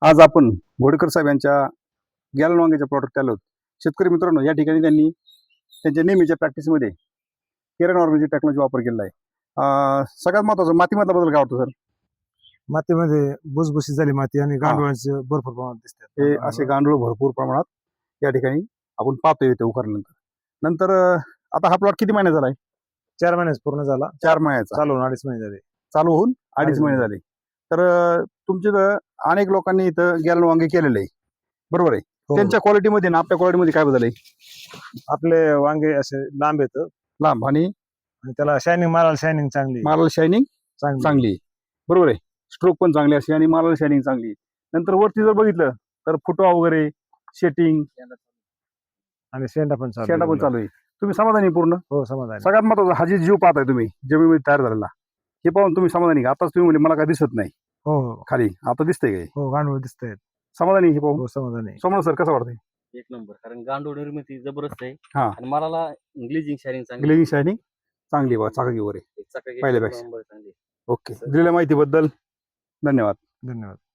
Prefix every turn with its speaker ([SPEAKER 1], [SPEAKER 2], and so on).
[SPEAKER 1] आज आपण घोडेकर साहेब यांच्या गॅलन वांग्याच्या प्लॉटवर आलो. शेतकरी मित्रांनो, या ठिकाणी त्यांनी त्यांच्या नेहमीच्या प्रॅक्टिसमध्ये केरन ऑर्गॅनिक टेक्नॉलॉजी वापर केलेला आहे. सगळ्यात महत्त्वाचं मातीमधला बदल काय वाटतो सर?
[SPEAKER 2] मातीमध्ये भुसभुशीत झाली माती आणि गांडुळांचे भरपूर प्रमाणात दिसतात.
[SPEAKER 1] हे असे गांडूळ भरपूर प्रमाणात या ठिकाणी आपण पाहतोय इथे उकरल्यानंतर. नंतर आता हा प्लॉट किती महिने झाला आहे?
[SPEAKER 2] 4 महिन्याच पूर्ण झाला.
[SPEAKER 1] 4 महिन्याचा
[SPEAKER 2] चालू 2.5 महिने झाले.
[SPEAKER 1] चालू होऊन 2.5 महिने झाले. तर तुमचे अनेक लोकांनी इथं गॅलन वांगे केलेले आहे, बरोबर आहे?
[SPEAKER 2] हो.
[SPEAKER 1] त्यांच्या क्वालिटीमध्ये आणि आपल्या क्वालिटीमध्ये काय बदल आहे?
[SPEAKER 2] आपले वांगे असे लांब येतं
[SPEAKER 1] लांब आणि
[SPEAKER 2] आणि त्याला शायनिंग, मालाला शायनिंग चांगली
[SPEAKER 1] मालाला शायनिंग
[SPEAKER 2] चांगली.
[SPEAKER 1] चांगली आहे, बरोबर आहे? स्ट्रोक पण चांगली असते आणि मालाला शायनिंग चांगली आहे. नंतर वरती जर बघितलं तर फुटवा वगैरे, शेटिंग,
[SPEAKER 2] आणि शेंडा पण
[SPEAKER 1] चालू आहे. तुम्ही समाधानी आहे पूर्ण?
[SPEAKER 2] हो, समाधान.
[SPEAKER 1] सगळ्यात महत्त्वाचं, हा जे जीव पाहताय तुम्ही जमिनीमध्ये तयार झालेला, हे पाहून तुम्ही समाधानी का? आताच तुम्ही म्हणजे मला काय दिसत नाही
[SPEAKER 2] हो हो
[SPEAKER 1] खाली, आता दिसतंय काय?
[SPEAKER 2] हो, गांडूळ दिसतंय.
[SPEAKER 1] समाधानी आहे हे पाहून?
[SPEAKER 2] हो, समाधानी.
[SPEAKER 1] समोर सर कसं वाटतंय?
[SPEAKER 3] एक नंबर. कारण गांडूळ निर्मिती जबरदस्त आहे
[SPEAKER 1] हा.
[SPEAKER 3] आणि मला ग्लेजिंग शायनिंग चांगली
[SPEAKER 1] ग्लेजिंग शायनिंग चांगली आहे, चाकाकी वगैरे
[SPEAKER 3] चकाकी
[SPEAKER 1] पहिल्यापेक्षा.
[SPEAKER 3] नंबर चांगली.
[SPEAKER 1] ओके, दिलेल्या माहितीबद्दल धन्यवाद.
[SPEAKER 2] धन्यवाद.